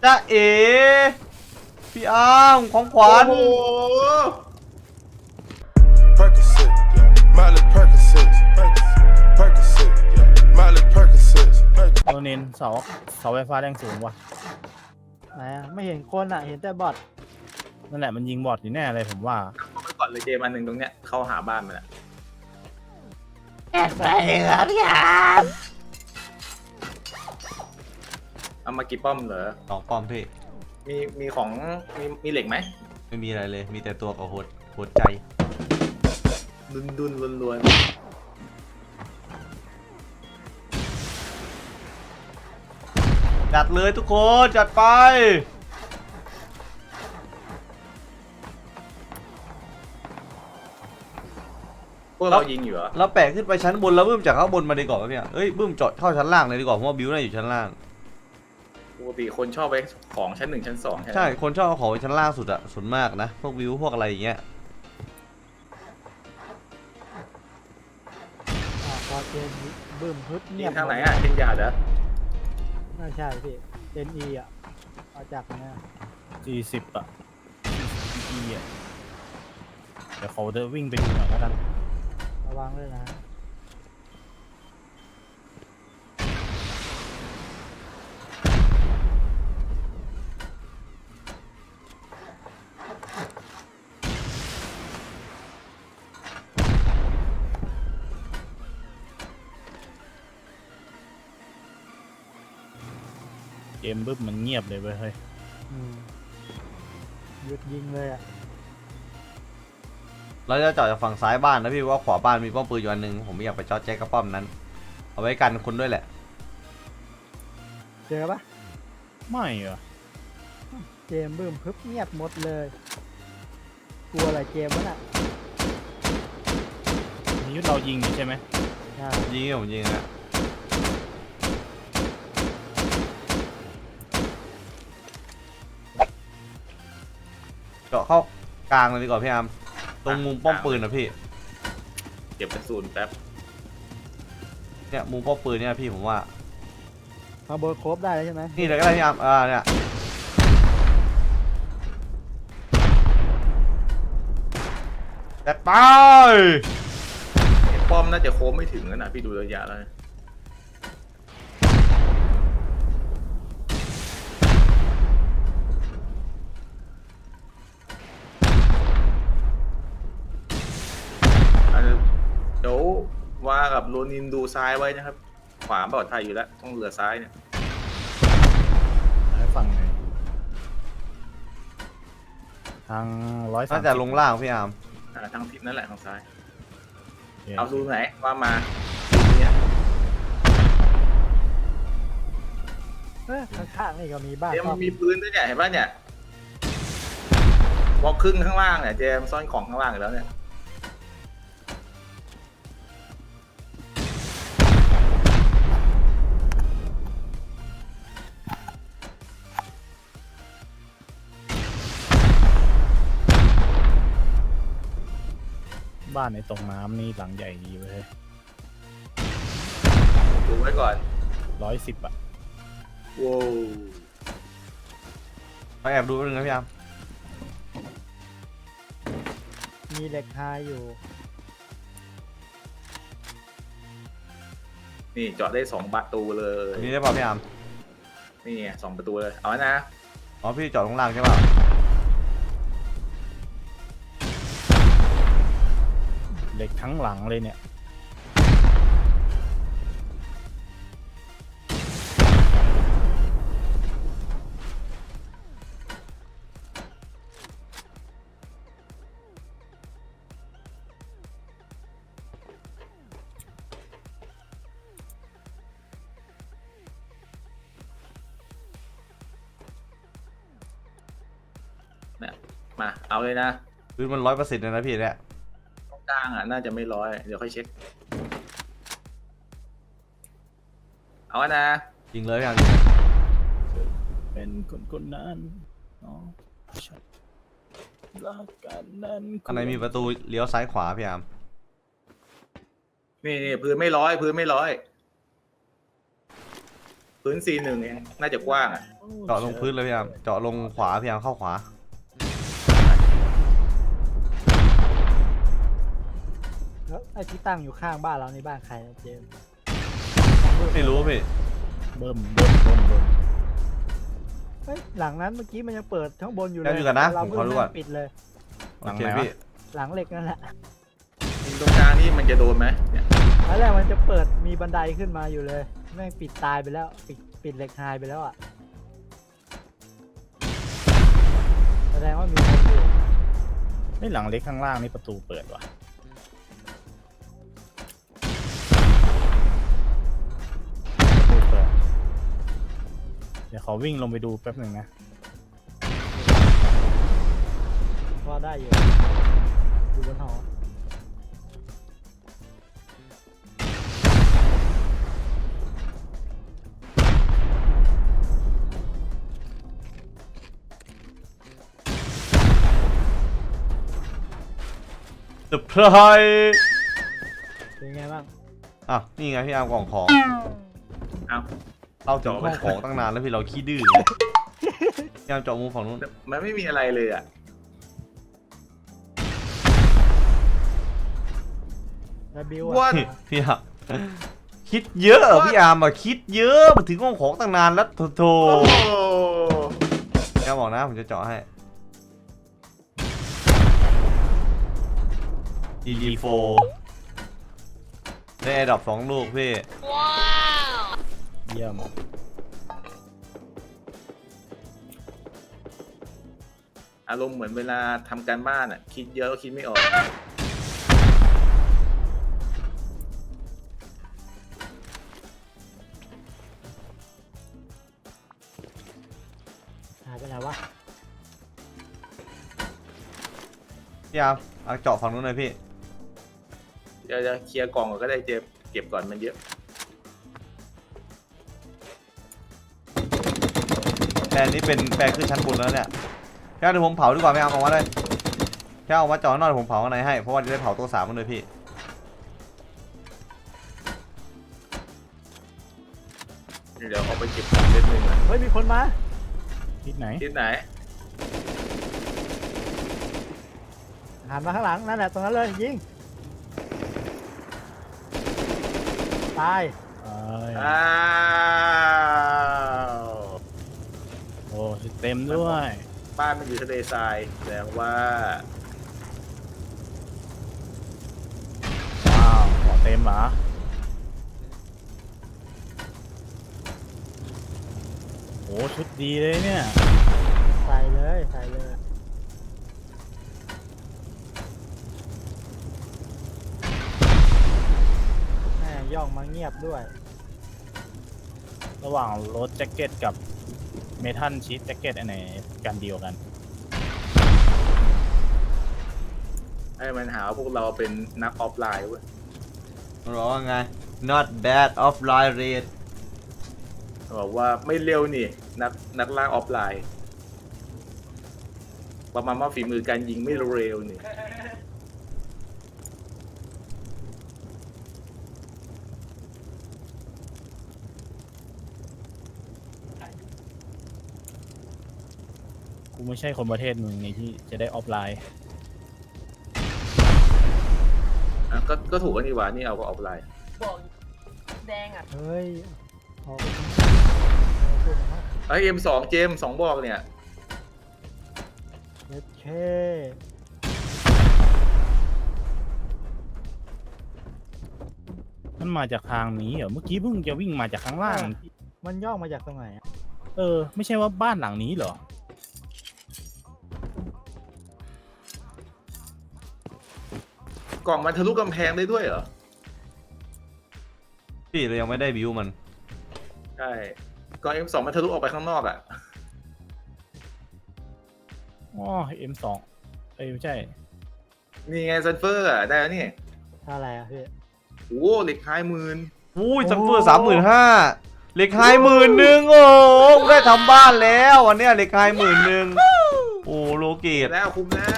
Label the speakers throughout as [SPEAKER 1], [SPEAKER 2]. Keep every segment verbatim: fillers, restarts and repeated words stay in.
[SPEAKER 1] จ้าเอ๋พี่อาร์มของขวัญ
[SPEAKER 2] Percocet, Miley Percocet, Percocet, Miley Percocet.
[SPEAKER 3] โดนเน้นเสาเสาไฟฟ้าแรงสูงว่ะ
[SPEAKER 4] ไหนอะไม่เห็นคนอ่ะเห็นแต่บอท
[SPEAKER 3] นั่นแหละมันยิงบอทอยู่แน่เลยผมว่า
[SPEAKER 5] เข้าไปก่อนเลยเจมันหนึ่งตรงเนี้ยเข้าหาบ้านมันอะ
[SPEAKER 4] แอบไปเหรอพี่อาร์ม
[SPEAKER 5] เอามากี่ป้อมเหรอ
[SPEAKER 1] สองป้อมพี่
[SPEAKER 5] มีมีของมีมีเหล็กไหม
[SPEAKER 1] ไม่มีอะไรเลยมีแต่ตัวกับโหดโหดใจ
[SPEAKER 5] ดุนดุนล้วนล้วน
[SPEAKER 1] จัดเลยทุกคนจัดไป
[SPEAKER 5] พวกเรายิงอยู่เหรอ
[SPEAKER 1] เราแปะขึ้นไปชั้นบนแล้วบึ้มจากข้างบนมาดีกว่าไหมเนี่ยเอ้ยบึ้มจอดเข้าชั้นล่างเลยดีกว่าเพราะว่าบิวน่าอยู่ชั้นล่าง
[SPEAKER 5] ปกติคนชอบไปของชั้นหนึ่งชั้นสองใช่ไหม
[SPEAKER 1] ใช่คนชอบเอาของไปชั้นล่างสุดอะส่วนมากนะพวกบิวพวกอะไรอย่างเงี้ย
[SPEAKER 4] อ่ะพอเจนบึ้มฮึด
[SPEAKER 5] ยิ
[SPEAKER 4] เงีย
[SPEAKER 5] ง
[SPEAKER 4] บ
[SPEAKER 5] ทางไหนอ่ะเทนยาเหรอ
[SPEAKER 4] ไม่ใช่พี่เจนอีอ่ะมาจากไหนอะ
[SPEAKER 3] สี่สิบอะอีอ่ะเดี๋ยวเขาจะวิ่งไปดูหน่อยแล้วกัน
[SPEAKER 4] ระวังด้วยนะ
[SPEAKER 3] เกมบึ้มมันเงียบเลยเว้ยเฮ้ย
[SPEAKER 4] อืมหยุดยิงเลยอ่ะ
[SPEAKER 1] เราจะจอดจากฝั่งซ้ายบ้านนะพี่ว่าขวาบ้านมีป้อมปืนอยู่อันหนึงผมไม่อยากไปจอดแจ๊กกับป้อมนั้น เอาไว้กันคนด้วยแหละ
[SPEAKER 4] เจอปะ
[SPEAKER 3] ไม่เหรอ
[SPEAKER 4] เจมบึ้มพึบเงียบหมดเลยกลัวอะไรเจมวะน่ะ
[SPEAKER 3] นี่เรายิงอยู่ใช่ไหม
[SPEAKER 4] ใช่
[SPEAKER 1] ยิงผมยิงอะเจาะเข้ากลางเลยดีกว่าพี่อาร์มตรงมุมป้อมปืนนะพี่
[SPEAKER 5] เก็บกระสุนแป๊บ
[SPEAKER 1] เนี่ยมุมป้อมปืนเนี่ยพี่ผมว่า
[SPEAKER 4] มาเบอร์ครบได้แล้วใช่ไหม
[SPEAKER 1] นี่เลยก็ได้พี่อาร์มอ่าเนี่ยจัดไป
[SPEAKER 5] ป้อมน่าจะโค้งไม่ถึงแล้วนะพี่ดูระยะแล้วนะอันนี้เดี๋ยวว่ากับโรนินดูซ้ายไว้นะครับ ขวาปลอดภัยอยู่แล้วต้องเรือซ้ายเนี่ย
[SPEAKER 3] ให้ฝั่งไหนทางร้อยสาม
[SPEAKER 1] น่าจะลงล่างพี่อาร์ม
[SPEAKER 5] อ่าทางทิศนั่นแหละทางซ้าย
[SPEAKER 3] เอา
[SPEAKER 5] เอาดูไหนว่ามาเนี่ย
[SPEAKER 4] เอ้ยข้างๆนี่ก็มีบ้าน
[SPEAKER 5] เจม
[SPEAKER 4] ซ่อ
[SPEAKER 5] ส์มีปืนด้วยเนี่ยเห็นป่ะเนี่ยบอกครึ่งข้างล่างเนี่ยเจมส์ซ่อนของข้างล่างอยู่แล้วเนี่ย
[SPEAKER 3] บ้านในตรงน้ำนี่หลังใหญ่ดีเว้ย
[SPEAKER 5] ดูไว้ก่อน
[SPEAKER 3] ร้อยสิบอะ
[SPEAKER 5] ว้าว
[SPEAKER 1] ไปแอบดูแป๊บนึงนะพี่อาร์ม
[SPEAKER 4] มีเหล็กไฮอยู่
[SPEAKER 5] นี่เจาะได้สองประตูเลย
[SPEAKER 1] อันนี้ได้ป่ะพี่อาร์ม
[SPEAKER 5] นี่ไงสองประตูเลยเอาไว้นะ
[SPEAKER 1] อ๋อพี่จอดลงล่างใช่ป่ะ
[SPEAKER 3] เหล็กทั้งหลังเลยเนี่ย
[SPEAKER 5] มาเอาเลยนะ
[SPEAKER 1] พื้นมันร้อยเปอร์เซ็นต์เลยนะพี่เนี่ย
[SPEAKER 5] ตรงกลางอ่ะน่าจะไม่ร้อยเดี๋ยวค่อยเช็คเอาไว้นะ
[SPEAKER 1] จริงเลยพี่อาร์ม
[SPEAKER 3] เป็นคนคนนั้นเนาะฉันรักกันนั้น
[SPEAKER 1] ข้างในมีประตูเลี้ยวซ้ายขวาพี่อาร์ม
[SPEAKER 5] นี่นี่พื้นไม่ร้อยพื้นไม่ร้อยพื้นซีหนึ่งเองน่าจะกว้างอ่ะ
[SPEAKER 1] เจาะลงพื้นเลยพี่อาร์มเจาะลงขวาพี่อาร์มเข้าขวา
[SPEAKER 4] แล้วไอ้ที่ตั้งอยู่ข้างบ้านเราในบ้านใครนะเจมส์
[SPEAKER 1] ไม่รู้พี่
[SPEAKER 3] เบิ่มเบิ่มเบิ่มเบิ่ม
[SPEAKER 4] เฮ้ยหลังนั้นเมื่อกี้มันยังเปิดข้างบนอยู่เล
[SPEAKER 1] แล้
[SPEAKER 4] ยว
[SPEAKER 1] อยู่กันนะ
[SPEAKER 4] เรา
[SPEAKER 1] ผม
[SPEAKER 4] เพิ่
[SPEAKER 1] ขอดูก่อน
[SPEAKER 4] งปิดเลย
[SPEAKER 1] โอเคพี่
[SPEAKER 4] หลังเหล็กนั่นแหละ
[SPEAKER 5] ตรงกลางนี่มันจะโดนไหมเนี่ย
[SPEAKER 4] ตอนแรกมันจะเปิดมีบันไดขึ้นมาอยู่เลยแม่งปิดตายไปแล้วปิดปิดเหล็กไฮไปแล้วอ่ะแสดงว่ามีคนอยู่
[SPEAKER 3] ไอ้หลังเล็กข้างล่างนี่ประตูเปิดว่ะประตูเปิดเดี๋ยวขอวิ่งลงไปดูแป๊บหนึ่งนะ
[SPEAKER 4] พอได้อยู่อยู่บนหอ
[SPEAKER 1] เซอร์ไพรส์
[SPEAKER 4] เป็นไงบ้าง
[SPEAKER 1] อ่ะนี่ไงพี่อาร์มกล่องของ
[SPEAKER 5] เอา
[SPEAKER 1] เราถึงห้องของตั้งนานแล้วพี่เราขี้ดื้อพี่อาร์มเจาะมุมฝั่งนู้น
[SPEAKER 5] มันไม่มีอะไรเลยอ่ะ
[SPEAKER 4] แล้วบิว
[SPEAKER 5] ว่า
[SPEAKER 4] อ่ะ
[SPEAKER 1] พี่อาร์มคิดเยอะพี่อาร์มอะคิดเยอะมาถึงห้องของตั้งนานแล้วโถโถ
[SPEAKER 5] โอ้โห
[SPEAKER 1] พี่อาร์มบอกนะผมจะเจาะให้ดีดีโฟได้แอร์ดรอปสองลูกพี่
[SPEAKER 3] เยี่ยม
[SPEAKER 5] อารมณ์เหมือนเวลาทำการบ้านอ่ะ คิดเยอะก็คิดไม่ออก
[SPEAKER 4] หายไปไหนวะ
[SPEAKER 1] พี่อาร์มเอาเจาะฝั่งนู้นเลยพี่
[SPEAKER 5] เดี๋ยวจะเคลียร์กล่องก่อนก็ได้เจมส์เก็บก่อนมันเยอะ
[SPEAKER 1] แปลงนี้เป็นแปลงขึ้นชั้นบนแล้วเนี่ยแค่เดี๋ยวผมเผาดีกว่าไม่เอาออกมาเลยแค่เอามาเจาะข้างนอกเดี๋ยวผมเผาข้างในให้เพราะว่าจะได้เผาตัวสามมันเลยพี่
[SPEAKER 5] เดี๋ยวเอาไปเก็บของเล่นหนึ่งอ่ะ
[SPEAKER 4] เฮ้ยมีคนมา
[SPEAKER 3] ทิศไหน
[SPEAKER 5] ที่ไหน
[SPEAKER 4] หันมาข้างหลังนั่นแหละตรงนั้นเลยยิงตาย
[SPEAKER 3] เอ้ย
[SPEAKER 5] อ้าว
[SPEAKER 3] โอ้เต็มด้วย
[SPEAKER 5] บ้านมันอยู่ทะเลทรายแสดงว่า
[SPEAKER 3] ว้าวขอเต็มเหรอโอ้ชุดดีเลยเนี่ย
[SPEAKER 4] ใส่เลยใส่เลยแม่ย่องมาเงียบด้วย
[SPEAKER 3] ระหว่างรถแจ็คเก็ตกับเมทัลชีทแจ็คเก็ตอันไหนกันเดียวกัน
[SPEAKER 5] ให้มันหาว่าพวกเราเป็นนักออฟไลน์เว้ย
[SPEAKER 1] มันบอกว่าไง not bad offline rate
[SPEAKER 5] บอกว่าไม่เร็วนี่นักนักล่าออฟไลน์ประมาณว่าฝีมือการยิงไม่เร็วนี่
[SPEAKER 3] กูไม่ใช่คนประเทศมึงนี่ที่จะได้ออฟไลน์
[SPEAKER 5] อ่ะก็ก็ถูกกันนี่หว่านี่เอาก็ออฟไลน์
[SPEAKER 6] บอกแดงอ่ะ
[SPEAKER 4] เฮ้ยออกไปข้างนอกเออพูดนะ
[SPEAKER 5] ไอเอ็มสองเจมสองบอกเนี่ย
[SPEAKER 4] เอเค
[SPEAKER 3] มันมาจากทางนี้เหรอเมื่อกี้เพิ่งจะวิ่งมาจากข้างล่าง
[SPEAKER 4] มันย่องมาจากตรงไหนอะ
[SPEAKER 3] เออ ไม่ใช่ว่าบ้านหลังนี้เหรอ
[SPEAKER 5] กล่องมันทะลุกำแพงได้ด้วยเหรอ
[SPEAKER 1] พี่เรายังไม่ได้บิวมัน
[SPEAKER 5] ใช่กล่องเอ็มสองมันทะลุออกไปข้างนอกอ่ะ
[SPEAKER 3] อ๋อ เอ็ม สอง เอ้ยไม่ใช่
[SPEAKER 5] นี่ไงซันเฟอร์อ่ะได้แล้วนี่
[SPEAKER 4] ท่าอะไรอะพี่
[SPEAKER 5] โอ้โหเหล็กท้ายหมื่น
[SPEAKER 1] อุ้ย
[SPEAKER 4] โอ้
[SPEAKER 1] ซัมเฟอร์สามหมื่นห้าเหล็กไฮหมื่นหนึ่งโอ้โหได้ทำบ้านแล้ววันเนี้ยเหล็กไฮหมื่นหนึ่งโอ้โลเกต
[SPEAKER 5] แล้วคุ้มแล้ว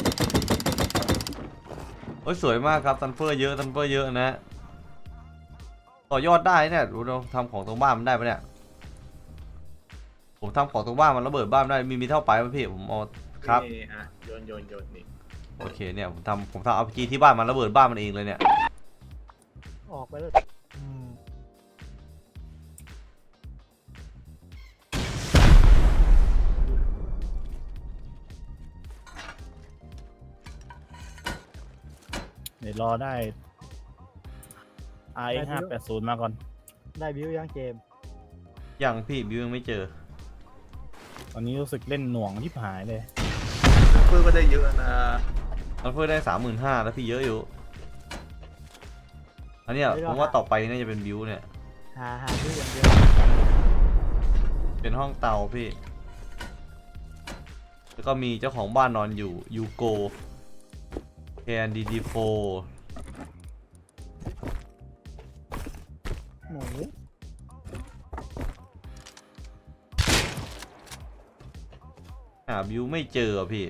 [SPEAKER 1] โอ้ยสวยมากครับซันเฟอร์เยอะซันเฟอร์เยอะนะต่อยอดได้เนี่ยดูเราทำของตรงบ้านมันได้ปะเนี่ยผมทำของตรงบ้านมันระเบิดบ้านได้มีมีเท่าไปไหมพี่ผมเอาครับ
[SPEAKER 5] นี่อ่ะโยนโยนโยนนี่
[SPEAKER 1] โอเคเนี่ยผมทำผมทำเอาจีที่บ้านมันระเบิดบ้านมันเองเลยเนี่ย
[SPEAKER 4] ออกไปเลยอืม
[SPEAKER 3] เดี๋ยวรอได้ อาร์ เอ็กซ์ ห้าแปดศูนย์มาก่อน
[SPEAKER 4] ได้บิวยังเกม
[SPEAKER 1] ยังพี่บิวยังไม่เจอ
[SPEAKER 3] ตอนนี้รู้สึกเล่นหน่วงที่หายเลย
[SPEAKER 5] เพื่อนก็ได้เยอะนะ
[SPEAKER 1] มันเพิ่มได้สามหมื่นห้าแล้วพี่เยอะอยู่อันเนี้ยผมว่าต่อไปน่าจะเป็นบิวเนี่ย
[SPEAKER 4] หาหาบิวอย่างเดียว
[SPEAKER 1] เป็นห้องเตาพี่ แล้วก็มีเจ้าของบ้านนอนอยู่ยูโกแคนดีดีโฟ
[SPEAKER 4] หมู
[SPEAKER 1] หาบิวไม่เจอพี่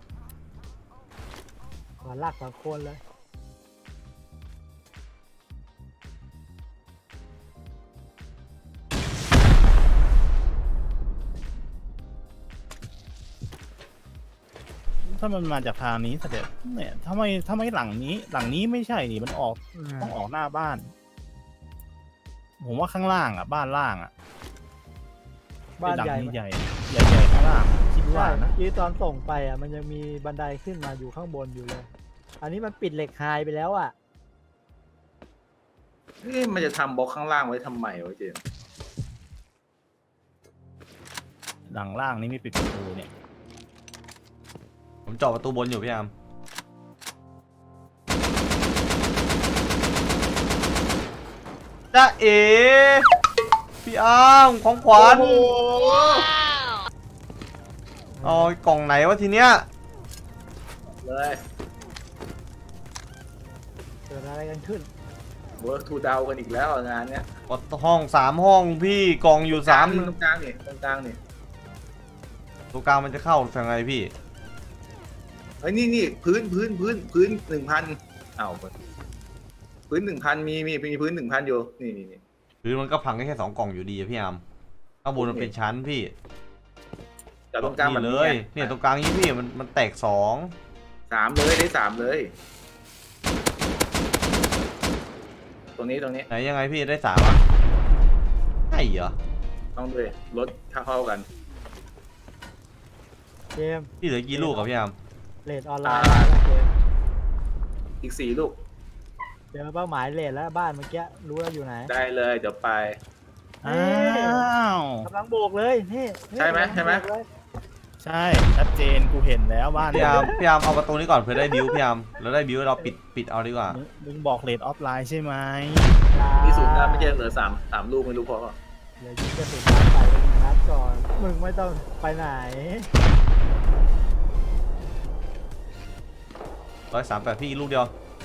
[SPEAKER 4] ขอลากสองคนเลย
[SPEAKER 3] ถ้ามันมาจากทางนี้เสด็จเนี่ยทำไมทำไมหลังนี้ หลังนี้ไม่ใช่นี่มันออก
[SPEAKER 4] อืม
[SPEAKER 3] ต้องออกหน้าบ้าน ผมว่าข้างล่างอ่ะ บ้านล่างอ่ะ
[SPEAKER 4] บ้าน
[SPEAKER 3] หลั
[SPEAKER 4] ใหญ่
[SPEAKER 3] นี้ใหญ่ใหญ่ใหญ่ข้างล่างคิดว่า
[SPEAKER 4] ใช่
[SPEAKER 3] นะ
[SPEAKER 4] ที่ตอนส่งไปอ่ะมันยังมีบันไดขึ้นมาอยู่ข้างบนอยู่เลย อันนี้มันปิดเหล็กไฮไปแล้วอ่ะ
[SPEAKER 5] นี่มันจะทำบล็อกข้างล่างไว้ทำไมวะเจมส์
[SPEAKER 3] หลังล่างนี่ไม่ปิดประตูเนี่ย
[SPEAKER 1] ผมเจาะประตูบนอยู่พี่อามจ้าเอ๋พี่อามของขวัญเอากล่องไหนวะทีเนี้ย
[SPEAKER 5] เลย
[SPEAKER 4] เกิดอะไรกันขึ้น
[SPEAKER 5] เวิร์กทูดาวกันอีกแล้วงานเนี้ย
[SPEAKER 1] ห้องสามห้องพี่กล่องอยู่สาม
[SPEAKER 5] ตรงกลางนี่ตรงกลางนี่
[SPEAKER 1] ตัวกลางมันจะเข้ายังไงพี่
[SPEAKER 5] เฮ้ยนี่นี่พื้นพื้นพื้นพื้นหนึ่งพันเอ้าพื้นหนึ่งพันมีมีมีพื้นหนึ่งพันอยู่นี่นี่นี่
[SPEAKER 1] หรือมันก็พังได้แค่สองกล่องอยู่ดีอะพี่อามข้างบนมันเป็นชั้นพี่
[SPEAKER 5] จากตรงกลางแบบ
[SPEAKER 1] เล
[SPEAKER 5] นี้
[SPEAKER 1] ยเนี่ยตรงกลางนี้พี่มันมันแตกสอง
[SPEAKER 5] สามเลยได้สามเลย ตรงนี้ตรงนี้
[SPEAKER 1] ไหนยังไงพี่ได้สามอ่ะใช่เหรอ
[SPEAKER 5] ต้องด้วยลดค่าเข้ากัน
[SPEAKER 4] เกม
[SPEAKER 1] พี่เหลือกี่ลูกอะพี่อาม
[SPEAKER 4] เลดออนไลน์แล้วเกม
[SPEAKER 5] อีกสี่ลูก
[SPEAKER 4] เจอเป้าหมายเลดแล้วบ้านเมื่อกี้รู้แล้วอยู่ไหน
[SPEAKER 5] ได้เลยเดี๋ยวไป
[SPEAKER 3] อ้าว
[SPEAKER 4] กำลังโบกเลยนี่นี่
[SPEAKER 5] ใช่ไหม
[SPEAKER 4] กำลัง
[SPEAKER 5] ใช่ไหม
[SPEAKER 4] โบกเลย
[SPEAKER 3] ใช่ชัดเจนกูเห็นแล้วบ้าน
[SPEAKER 1] พี่อามพี่อามเอาประตูนี้ก่อนเพื่อได้บิวพี่อามแล้วได้บิวเราปิดปิดเอาดีกว่า
[SPEAKER 3] มึงมึงบอกเลดออฟไลน์ใช่ไหม
[SPEAKER 5] มีศูนย์นะไม่ใช่เหลือสามสามลูกไม่รู้พอ
[SPEAKER 4] เดี๋ยวยิงกระสุนน้ำใส่ไปหนึ่งนัดก่อน มึงไม่ต้องไปไหน
[SPEAKER 1] ร้อยสามแปดพี่ลูกเดียว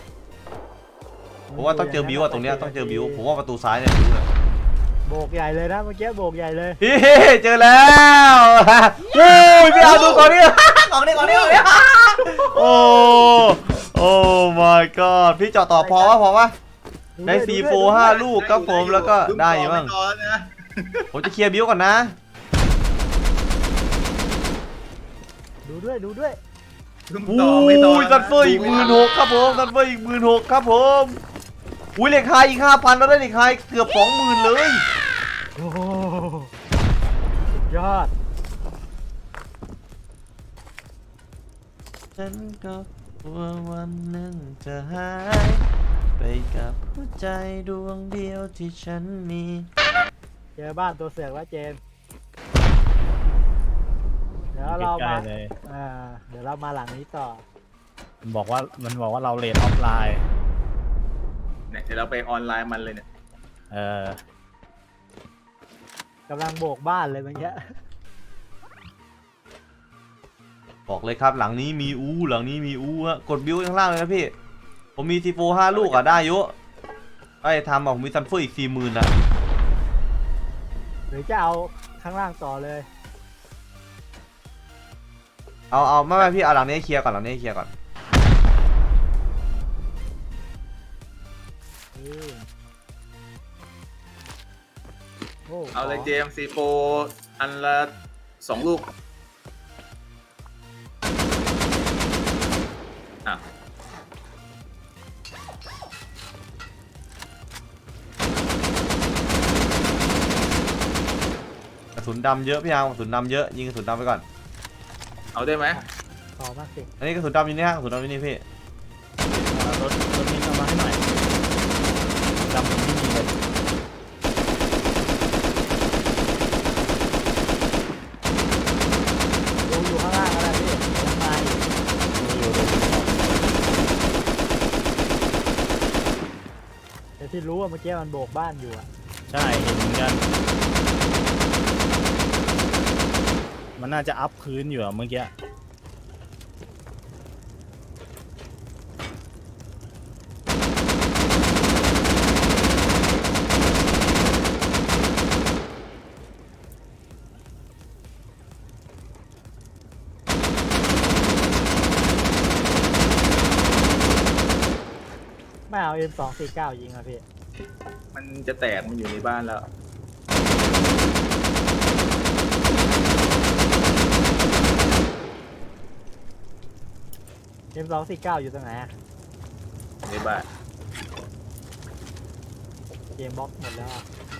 [SPEAKER 1] ผมว่าต้องเจอบิวอะตรงเนี้ยต้องเจอบิวผมว่าประตูซ้ายเนี่ยบิวเลย
[SPEAKER 4] โบกใหญ่เลยนะเมื่อกี้โบกใหญ่เลย
[SPEAKER 1] พี่เจอแล้วโอ้ยพี่อามดูก่อนนี่ก่อนนี่ก่อนนี่ก่อนนี่โอ้โอ้ my god พี่เจาะต่อพอวะพอวะ ได้ซีโฟห้าลูกครับผมแล้วก็ได้อยู่บ้าง
[SPEAKER 5] ต่อนะ
[SPEAKER 1] ผมจะเคลียร์บิวก่อนนะ
[SPEAKER 4] ดูด้วยดูด้วย
[SPEAKER 5] ขึ้น
[SPEAKER 1] โอ้
[SPEAKER 5] ต่อไม่ต่อย
[SPEAKER 1] ซันเฟอร์อีกหมื่นหกครับผมซันเฟอร์อีกหมื่นหกครับผมอุ้ยเหล็กไฮอีกห้าพันแล้วได้เหล็กไฮเกือบสองหมื่นเลย
[SPEAKER 4] โอ้โหสุดยอด
[SPEAKER 1] ฉันก็กลัววันหนึ่งจะหายไปกับหัวใจดวงเดียวที่ฉันมี
[SPEAKER 4] เจอบ้านตัวเสือกแล้วเจมส์เดี๋ยวเรา
[SPEAKER 3] ใกล้
[SPEAKER 4] มา
[SPEAKER 3] ๆเลย
[SPEAKER 4] อ่าเดี๋ยวเรามาหลังนี้ต่อ
[SPEAKER 3] มันบอกว่ามันบอกว่าเราเลดออฟไลน์
[SPEAKER 5] เนี่ยเดี๋ยวเราไปออนไลน์มันเลยเนี่ย
[SPEAKER 3] เออก
[SPEAKER 4] ำลังโบกบ้านเลยเมื่อกี้
[SPEAKER 1] บอกเลยครับหลังนี้มีอู้หลังนี้มีอู้ฮะกดบิวข้างล่างเลยนะพี่ผมมีซีโฟห้าลูกอะได้อยุไอ้ทำบอกผมมีซันเฟอร์อีกสี่หมื่นอะ
[SPEAKER 4] หรือจะเอาข้างล่างต่อเลย
[SPEAKER 1] เอาเอาไม่ไม่พี่เอาหลังนี้ให้เคลียร์ก่อนหลังนี้ให้เคลียร์ก่อน
[SPEAKER 4] อืมโอ้
[SPEAKER 5] เอาเลยเจมซีโฟอันละสองลูกอ่ะ
[SPEAKER 1] กระสุนดำเยอะพี่อาร์มกระสุนดำเยอะยิงกระสุนดำไปก่อน
[SPEAKER 5] เอาได้ไหม
[SPEAKER 4] ขอมาสิ
[SPEAKER 1] อันนี้กระสุนดำอยู่นี่ฮะกระสุนดำอยู่นี่พี่
[SPEAKER 3] อ่ารถรถมินเอามาให้หน่อยดำผมไม่มีเลย
[SPEAKER 4] ดูอยู่ข้างล่างอะไรพี่ยังมาอีก
[SPEAKER 3] อยู่เลย
[SPEAKER 4] แต่ที่รู้ว่าเมื่อกี้มันโบกบ้านอยู่อะ
[SPEAKER 3] ใช่เห็นเหมือนกัน มันน่าจะอัพพื้นอยู่อะเมื่อกี้
[SPEAKER 4] ไม่เอา เอ็ม สองสี่เก้า ยิงอะพี่
[SPEAKER 5] มันจะแตกมันอยู่ในบ้านแล้ว
[SPEAKER 4] เอ็ม สองสี่เก้า อยู่ตรงไหนอะ
[SPEAKER 5] ในบ้าน
[SPEAKER 4] เกมบล็อกหมดแล้วอะ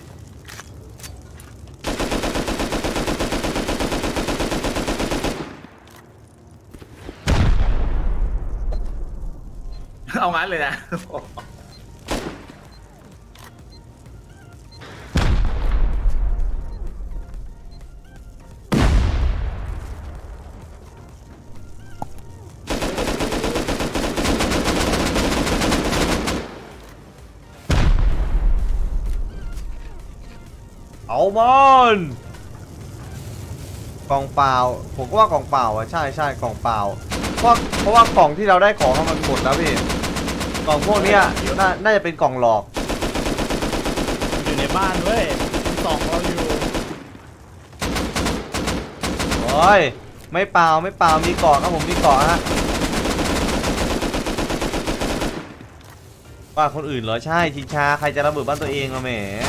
[SPEAKER 5] เอางั้นเลยนะ
[SPEAKER 1] เอามันกล่องเปล่าผมก็ว่ากล่องเปล่าอ่ะใช่ใช่กล่องเปล่าเพราะเพราะว่ากล่องที่เราได้ของมันหมดแล้วพี่กล่องพวกเนี้ยน่าน่าจะเป็นกล่องหลอก
[SPEAKER 3] อยู่ในบ้านเว้ยมันส่องเราอยู่
[SPEAKER 1] โอ้ยไม่เปล่าไม่เปล่ามีเกาะครับผมมีเกาะฮะบ้านคนอื่นเหรอใช่ชิงชาใครจะระเบิดบ้านตัวเองอะแหม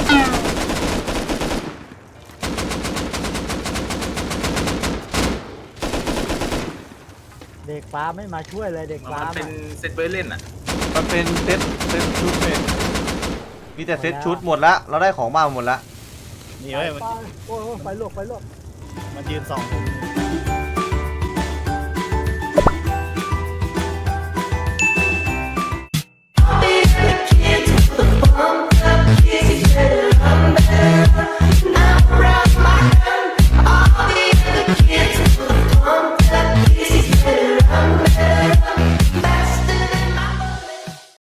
[SPEAKER 4] เด็กฟ้าไม่มาช่วยเลยเด็กฟ้า
[SPEAKER 5] มันเป็น
[SPEAKER 4] อะ
[SPEAKER 5] เซตไว้เล่นอ่ะ
[SPEAKER 1] มันเป็นเซตเซตชุดเลยมีแต่เซตชุดหมดแล้วเราได้ของบ้านหมดแล้ว
[SPEAKER 3] นี่
[SPEAKER 4] ไป
[SPEAKER 3] เว้ย
[SPEAKER 4] ไปโอ้ยโอ้ยไฟลวกไฟลวก
[SPEAKER 3] มันยืนส่องผมอยู่